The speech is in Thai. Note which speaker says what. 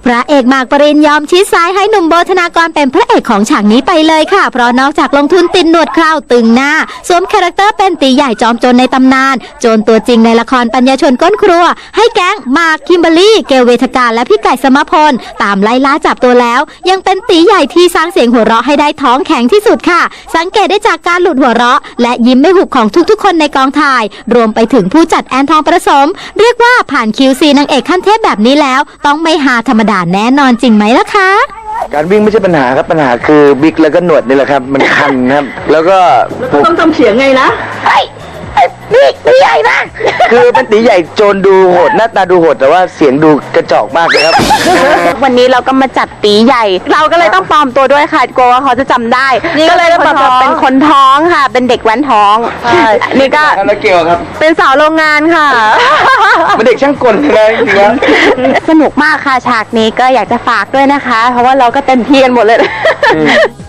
Speaker 1: พระเอกหมากปรินยอมชี้ซ้ายให้หนุ่มโบธนากรเป็นพระเอกของฉากนี้ไปเลยค่ะเพราะนอกจากลงทุนติดหนวดเคราตึงหน้าสวมคาแรคเตอร์เป็นตีใหญ่จอมโจรในตำนานโจรตัวจริงในละครปัญญาชนก้นครัวให้แก๊งหมากคิมเบอร์รี่เกลเวทการและพี่ไก่สมพลตามไล่ล่าจับตัวแล้วยังเป็นตีใหญ่ที่สร้างเสียงหัวเราะให้ได้ท้องแข็งที่สุดค่ะสังเกตได้จากการหลุดหัวเราะและยิ้มไม่หุบของทุกๆคนในกองถ่ายรวมไปถึงผู้จัดแอนทองประสมเรียกว่าผ่าน QC นางเอกขั้นเทพแบบนี้แล้วต้องไม่หาธรรมดาแน่นอนจริงไหมล่ะคะ
Speaker 2: การวิ่งไม่ใช่ปัญหาครับปัญหาคือบิ๊กแล้วก็หนวดนี่แหละครับมันคันครับแล้วก็
Speaker 3: ต้องทำเสียงไงนะ
Speaker 2: บิ๊กตีใหญ่มากคือเป็นตีใหญ่โจรดูโหดหน้าตาดูโหดแต่ว่าเสียงดูกระจอกมากเลยครับ
Speaker 4: วันนี้เราก็มาจัดตีใหญ่เราก็เลยต้องปลอมตัวด้วยค่ะกลัวว่าเขาจะจำได้ก็เลยต้องแบบเป็นคนท้องค่ะเป็นเด็กแว้นท้องนี่ก็
Speaker 2: แล้วเกี่ยวครับ
Speaker 4: เป็นสาวโรงงานค่ะ
Speaker 2: เป็นเด็กช่างกลเลยจริงๆ
Speaker 4: สนุกมากค่ะฉากนี้ก็อยากจะฝากด้วยนะคะเพราะว่าเราก็เต็มที่กันหมดเลย